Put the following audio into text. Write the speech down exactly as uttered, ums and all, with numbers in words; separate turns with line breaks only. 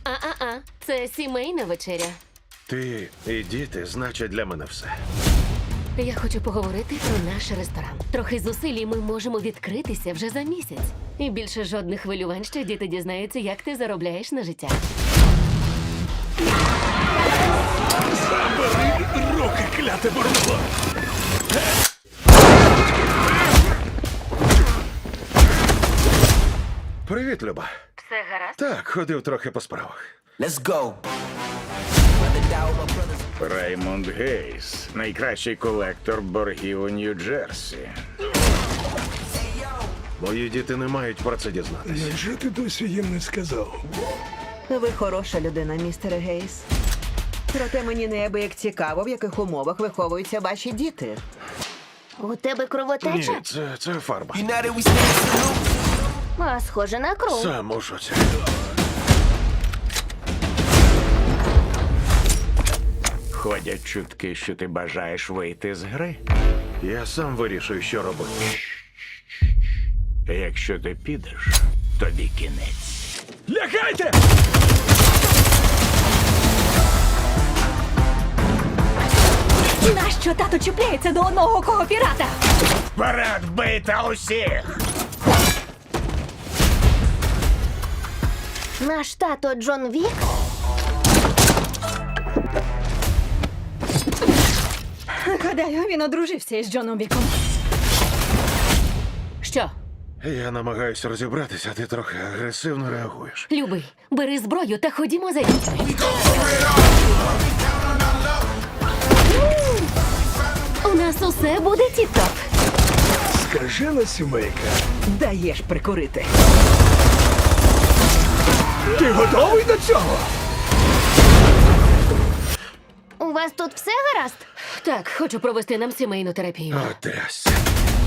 А-а-а, це сімейна вечеря.
Ти і діти значать для мене все.
Я хочу поговорити про наш ресторан. Трохи зусиль, і ми можемо відкритися вже за місяць. І більше жодних хвилювань, що діти дізнаються, як ти заробляєш на життя.
Забери руки, кляте бурбо!
Привіт, Люба.
Все гаразд?
Так, ходив трохи по справах.
Let's go.
Раймонд Гейс, найкращий колектор боргів у Нью-Джерсі.
Мої діти не мають про це дізнатися.
Невже ти досі їм не сказав?
Ви хороша людина, містере Гейс. Проте мені неабияк цікаво, в яких умовах виховуються ваші діти.
У тебе кровотеча?
Ні, це, це фарба.
United we stand salute.
А, схоже на кров.
Сам у шоці.
Ходять чутки, що ти бажаєш вийти з гри.
Я сам вирішую, що робити.
Якщо ти підеш, тобі кінець. Лягайте!
Нащо тато чіпляється до одного кого пірата?
Вперед, вбийте усіх!
Наш тато Джон Вік?
Гадаю, він одружився із Джоном Віком. Що?
Я намагаюся розібратися, а ти трохи агресивно реагуєш.
Любий, бери зброю та ходімо за дітьми. У нас усе буде тіп-топ.
Скажена сімейка.
Даєш прикурити.
Ти готовий до цього?
У вас тут все гаразд?
Так, хочу провести нам сімейну терапію.
О, трясся.